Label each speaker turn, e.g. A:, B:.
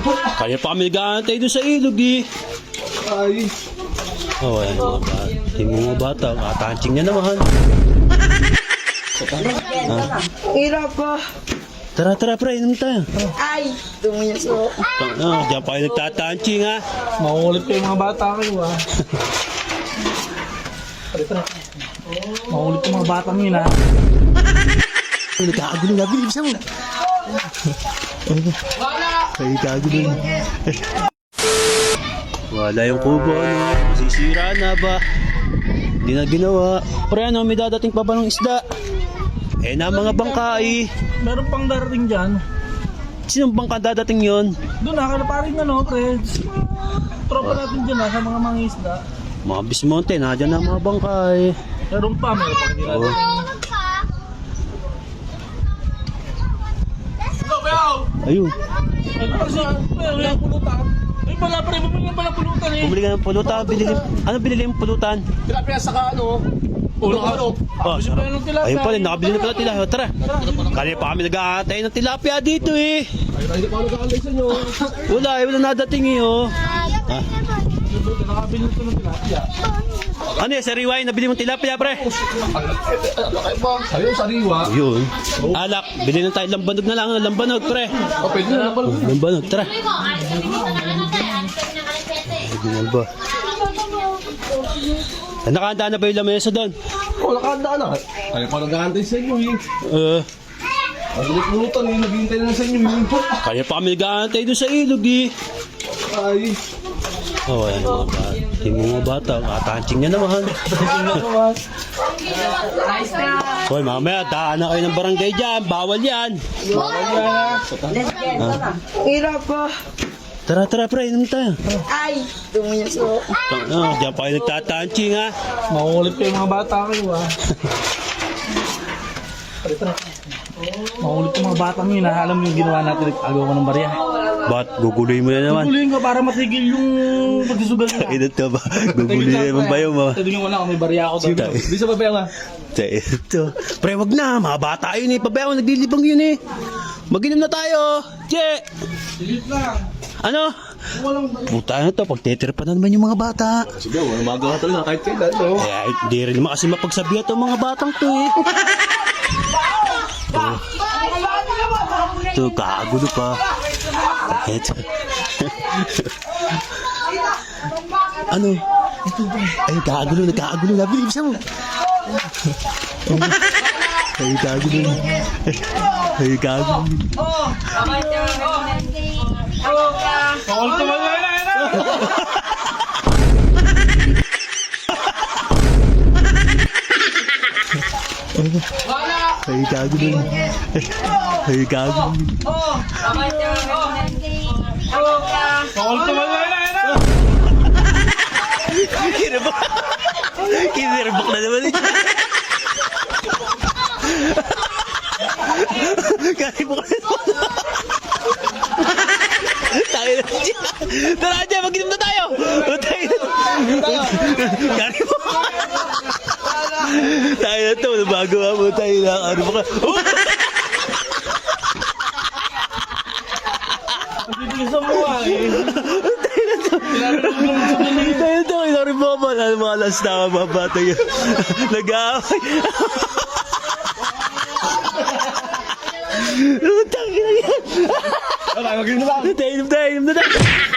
A: Kaya pa kami nag-aantay doon sa ilog eh.
B: Ay.
A: Oh, ayan mga bata. Tingnan mga bata. Katansing niya naman.
C: Hirap pa.
A: Tara, tara, pre. Inom tayo.
C: Ay, tumuyaso.
A: Diyan pa kayo nagtatansing ha.
B: Makukulit pa yung mga bata kayo ah. Makukulit yung mga bata mo yun ah.
A: Nagkakagulo na. Bilibsa mo. Nagkakagulo na. Wala yung kubo. Ano? Sisira na ba? Hindi na ginawa. Pre, ano? May dadating pa ba ng isda? Eh na mga bangka eh.
B: Meron pang darating dyan.
A: Sinong bangka dadating yon?
B: Doon nakala paring ano, pre. Tropa natin dyan ah, sa mga mangisda.
A: Mga bismonte, nadyan na mga bangka eh.
B: Meron pa hindi natin.
A: Ayun.
B: Ay, kasi, wala yung pulutan. Ay, pala pre, bumili pala pulutan eh.
A: Bumili ka ng pulutan. Ano binili yung pulutan?
B: Tilapia saka ano? Ulo.
A: Oh,
B: Gusto pa yung tilapia.
A: ayun pala, nakabili na pala tilapia. Tara. Kaya pa kami nag-aantay ng tilapia dito eh.
B: Ay, hindi pa ako nag-aalay sa inyo.
A: Wala nadating eh oh. Ah.
B: Nakabili ko ng tilapia.
A: Ano eh, sariwa yung nabili mong tilapia pre?
B: Ayun, sariwa.
A: Yun. Alak, bili na tayo lambanog na lang. Lambanog pre.
B: O, pwede na naman.
A: Lambanog, tara. Ba? Nakahanda na ba yung lamesa doon?
B: O, nakahanda na. Kaya pa nag-aantay sa inyo eh. Ang pulutan eh, naghihintay na sa inyo eh.
A: Kaya pa kami nag-aantay doon sa ilog eh.
B: Ay.
A: Oh, ayan mga bata. Tingnan mga bata. Katansing niya naman. Hoy, mamaya, daan na kayo ng barangay dyan. Bawal yan.
C: Hirap pa.
A: Tara, tara, pre. Inom tayo.
C: Ay, tumuyaso.
A: Diyan pa kayo nagtatansing ha.
B: Makukulit pa yung mga bata kayo ah. Makukulit yung mga bata mo yun ah. Alam mo yung ginawa natin, agaw ko ng barya.
A: Ba't guguloy mo na naman?
B: Tuloyin ko para matigil yung pagsusugal nila.
A: Ito ba? Guguloy naman ba yung mga...
B: Tignan ko lang kung may barya ako doon. Di sa babae nga.
A: Ito. Pre, wag na. Mga bata yun eh. Pabayaan, naglilibang yun eh. Mag-inom na tayo. Che!
B: Silip lang.
A: Ano? Puta na to. Pagtetripa na naman yung mga bata.
B: Sige, walang magawa talaga kahit kailan. No?
A: Eh, hindi rin naman kasi mapagsabihan itong mga batang to eh. Ito, kagulo pa. Ito. Ano? Ay, kagulo. Nagkagulo na. Bilibsa mo. Ay, kagulo. Ay, kagulo.
B: Bawal ka ba na?
A: Ay, kagulo. Ay, kagulo.
B: Bawal ka ba na?
A: Kinibak. Kinibak na naman eh. Kinibak na naman. Tayo na siya. Tara dyan, mag-inom na tayo. Kinibak. Tayo na to, bago mo tayo na. Ano ba ka?
B: Pagkikisa mo ah eh.
A: Tayo to, inari mo ba? Ano mga last na mga bata yun? Nag-aaway. Utang ina yan.
B: Okay, mag-inom na.
A: Tayo na tayo.